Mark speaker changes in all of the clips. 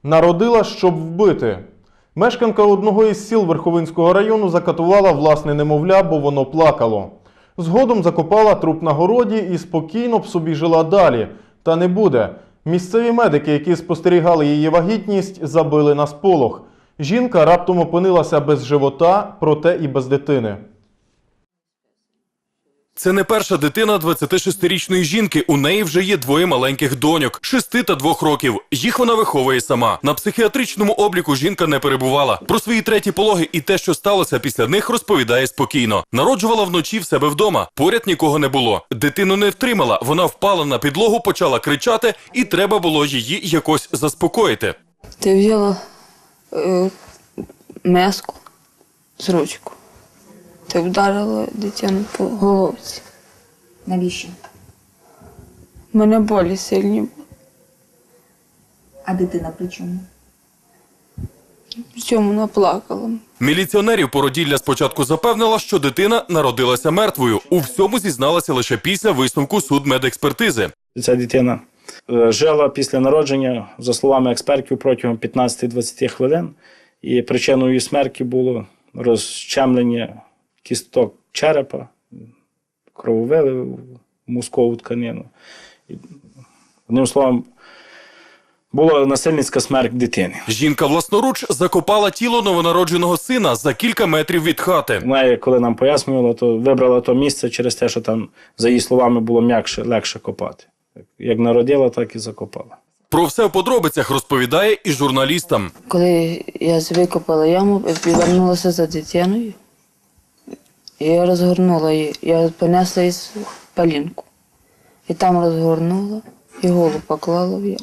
Speaker 1: Народила, щоб вбити. Мешканка одного із сіл Верховинського району закатувала власне немовля, бо воно плакало. Згодом закопала труп на городі і спокійно б собі жила далі. Та не буде. Місцеві медики, які спостерігали її вагітність, забили на сполох. Жінка раптом опинилася без живота, проте і без дитини.
Speaker 2: Це не перша дитина 26-річної жінки. У неї вже є двоє маленьких доньок – 6 та 2 років. Їх вона виховує сама. На психіатричному обліку жінка не перебувала. Про свої треті пологи і те, що сталося після них, розповідає спокійно. Народжувала вночі в себе вдома. Поряд нікого не було. Дитину не втримала. Вона впала на підлогу, почала кричати, і треба було її якось заспокоїти.
Speaker 3: Ти взяла миску з ручку. Ти вдарила дитину по головці.
Speaker 4: Навіщо?
Speaker 3: У мене болі сильні були.
Speaker 4: А дитина при чому?
Speaker 3: В цьому вона плакала.
Speaker 2: Міліціонерів породілля спочатку запевнила, що дитина народилася мертвою. У всьому зізналася лише після висновку судмедекспертизи.
Speaker 5: Ця дитина жила після народження, за словами експертів, протягом 15-20 хвилин. І причиною її смерті було розчемлення кісток черепа, крововилив в мозкову тканину. Одним словом, була насильницька смерть дитини.
Speaker 2: Жінка власноруч закопала тіло новонародженого сина за кілька метрів від хати.
Speaker 5: Вона, коли нам пояснювала, то вибрала то місце через те, що там, за її словами, було м'якше, легше копати. Як народила, так і закопала.
Speaker 2: Про все в подробицях розповідає і журналістам.
Speaker 3: Коли я викопала яму, повернулася за дитиною, і я розгорнула її. Я понесла її в палінку. І там розгорнула, і голову поклала в яму.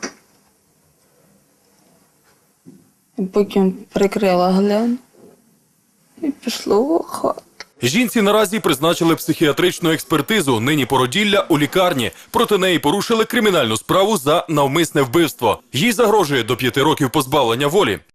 Speaker 3: І потім прикрила гляну і пішла в хату.
Speaker 2: Жінці наразі призначили психіатричну експертизу. Нині породілля у лікарні. Проти неї порушили кримінальну справу за навмисне вбивство. Їй загрожує до 5 років позбавлення волі.